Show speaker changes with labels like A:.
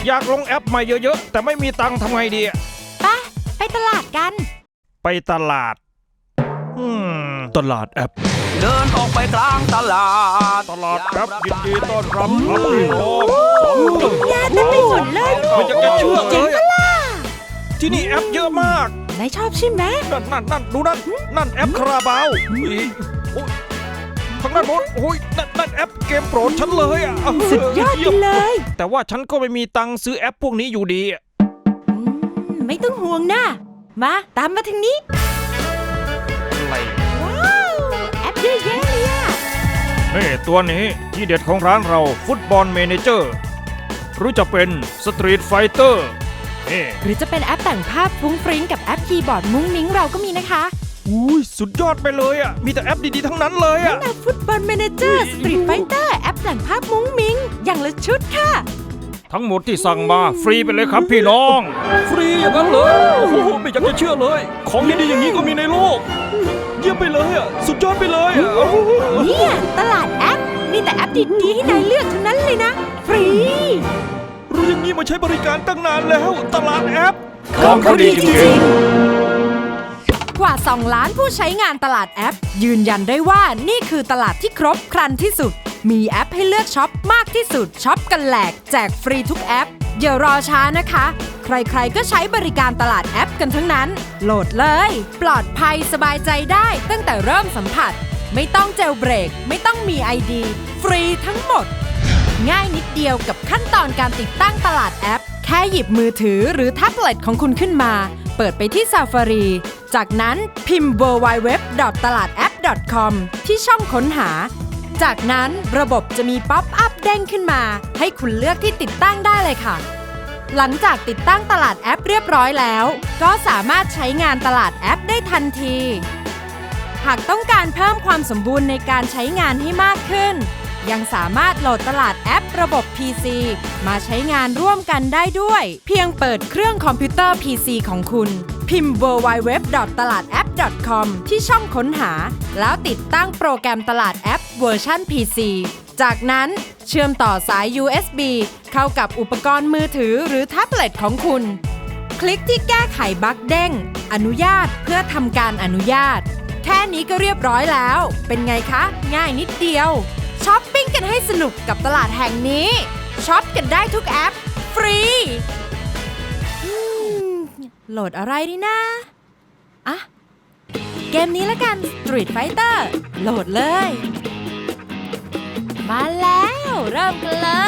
A: อยากลงแอปใหม่เยอะๆแต่ไม่มีตังค์ทำไงดี
B: ไปตลาดกัน
A: ไปตลาดตลาดแอป
C: เดินออกไปกลางตลาด
A: แอปยินดีต้อนรับพี่น้อง
B: งานเต็มไปหมดเลย
A: ไม่อยากจะเชื่อเลยที่นี่แอปเยอะมาก
B: นายชอบใช่ไหม
A: นั่นดูนั่นแอปคาราบาวข้างด้านโน้นโอ้ยนั่นแอปเกมโปรดฉันเลยอ่ะ
B: สุดยอดไปเลย
A: แต่ว่าฉันก็ไม่มีตังค์ซื้อแอปพวกนี้อยู่ดี
B: ไม่ต้องห่วงนะมาตามมาทางนี้
A: อะไร
B: ว้าวแอปเยอะแยะเลยอ่ะ
A: นี่ตัวนี้ที่เด็ดของร้านเราฟุตบอลเมเนเจอร์หรือจะเป็นสตรีทไฟเตอร์
B: หรือจะเป็นแอปแต่งภาพฟุ้งฟริ้งกับแอปคีย์บอร์ดมุ้งมิ้งเราก็มีนะคะ
A: อุ้ยสุดยอดไปเลยอ่ะมีแต่แอปดีๆทั้งนั้นเลยอ่ะ
B: นั่นฟุตบอลเมเนเจอร์สตรีทไฟเตอร์แอปแต่งภาพมุ้งมิ้งอย่างละชุดค่ะ
A: ทั้งหมดที่สั่งมาฟรีไปเลยครับพี่น้องฟรีอย่างนั้นเลยโอ้โหไม่อยากจะเชื่อเลยของดีๆอย่างนี้ก็มีในโลกเยี่ยมไปเลยอ่ะสุดยอดไปเลย
B: เนี่ยตลาดแอปมีแต่แอปดีๆให้นายเลือกทั้งนั้นเลยนะฟรี
A: รู้อย่างนี้มาใช้บริการตั้งนานแล้วตลาดแอป
B: ของเขาดีจริงๆกว่า2 ล้านผู้ใช้งานตลาดแอปยืนยันได้ว่านี่คือตลาดที่ครบครันที่สุดมีแอปให้เลือกช็อปมากที่สุดช็อปกันแหลกแจกฟรีทุกแอปอย่ารอช้านะคะใครๆก็ใช้บริการตลาดแอปกันทั้งนั้นโหลดเลยปลอดภัยสบายใจได้ตั้งแต่เริ่มสัมผัสไม่ต้องเจลเบรกไม่ต้องมี ID ฟรีทั้งหมดง่ายนิดเดียวกับขั้นตอนการติดตั้งตลาดแอปแค่หยิบมือถือหรือแท็บเล็ตของคุณขึ้นมาเปิดไปที่ Safari จากนั้นพิมพ์ www.taladapp.com ที่ช่องค้นหาจากนั้นระบบจะมีป๊อปอัพเด้งขึ้นมาให้คุณเลือกที่ติดตั้งได้เลยค่ะหลังจากติดตั้งตลาดแอปเรียบร้อยแล้วก็สามารถใช้งานตลาดแอปได้ทันทีหากต้องการเพิ่มความสมบูรณ์ในการใช้งานให้มากขึ้นยังสามารถโหลดตลาดแอประบบ PC มาใช้งานร่วมกันได้ด้วยเพียงเปิดเครื่องคอมพิวเตอร์ PC ของคุณพิมพ์ www.taladapp.com ที่ช่องค้นหาแล้วติดตั้งโปรแกรมตลาดแอปเวอร์ชัน PC จากนั้นเชื่อมต่อสาย USB เข้ากับอุปกรณ์มือถือหรือแท็บเล็ตของคุณคลิกที่แก้ไขบั๊กเด้งอนุญาตเพื่อทำการอนุญาตแค่นี้ก็เรียบร้อยแล้วเป็นไงคะง่ายนิดเดียวช้อปปิ้งกันให้สนุกกับตลาดแห่งนี้ช็อปกันได้ทุกแอปฟรีโหลดอะไรดีนะเกมนี้ละกัน Street Fighter โหลดเลยมาแล้วเริ่มกันเลย